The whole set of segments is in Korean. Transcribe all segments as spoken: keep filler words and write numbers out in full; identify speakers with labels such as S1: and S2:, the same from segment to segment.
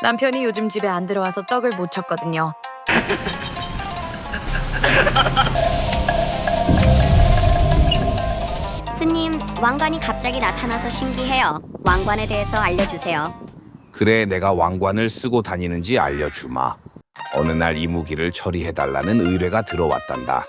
S1: 남편이 요즘 집에 안 들어와서 떡을 못 쳤거든요.
S2: 스님, 왕관이 갑자기 나타나서 신기해요. 왕관에 대해서 알려주세요.
S3: 그래, 내가 왕관을 쓰고 다니는지 알려주마. 어느 날 이무기를 처리해달라는 의뢰가 들어왔단다.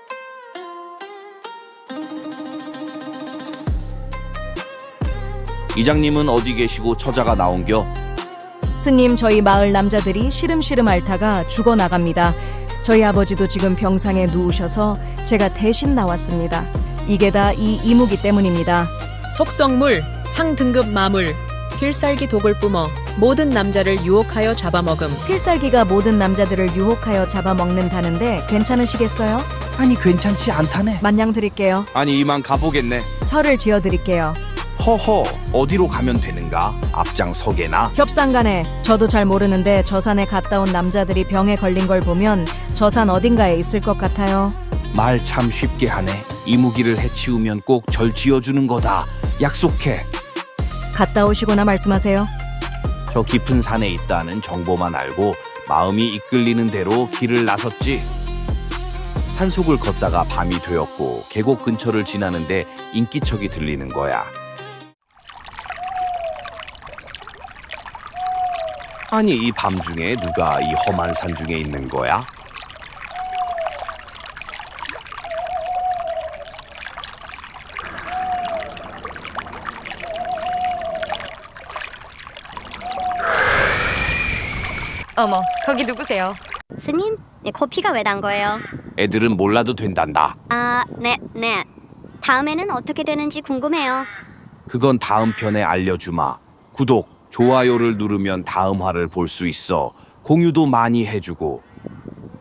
S3: 이장님은 어디 계시고 처자가 나온겨?
S4: 스님, 저희 마을 남자들이 시름시름 앓다가 죽어나갑니다. 저희 아버지도 지금 병상에 누우셔서 제가 대신 나왔습니다. 이게 다 이 이무기 때문입니다.
S5: 속성물, 상등급 마물, 필살기 독을 뿜어 모든 남자를 유혹하여 잡아먹음.
S4: 필살기가 모든 남자들을 유혹하여 잡아먹는다는데 괜찮으시겠어요?
S3: 아니, 괜찮지 않다네.
S4: 만냥 드릴게요.
S3: 아니, 이만 가보겠네.
S4: 철을 지어드릴게요.
S3: 허허, 어디로 가면 되는가? 앞장 서게나?
S4: 겹산간에 저도 잘 모르는데 저 산에 갔다 온 남자들이 병에 걸린 걸 보면 저 산 어딘가에 있을 것 같아요.
S3: 말 참 쉽게 하네. 이무기를 해치우면 꼭 절 지어주는 거다. 약속해.
S4: 갔다 오시거나 말씀하세요.
S3: 저 깊은 산에 있다는 정보만 알고 마음이 이끌리는 대로 길을 나섰지. 산속을 걷다가 밤이 되었고 계곡 근처를 지나는데 인기척이 들리는 거야. 아니, 이 밤중에 누가 이 험한 산 중에 있는 거야?
S1: 어머, 거기 누구세요?
S2: 스님, 네, 코피가 왜 단 거예요?
S3: 애들은 몰라도 된단다.
S2: 아, 네, 네. 다음에는 어떻게 되는지 궁금해요.
S3: 그건 다음 편에 알려주마. 구독, 좋아요를 누르면 다음 화를 볼 수 있어. 공유도 많이 해주고.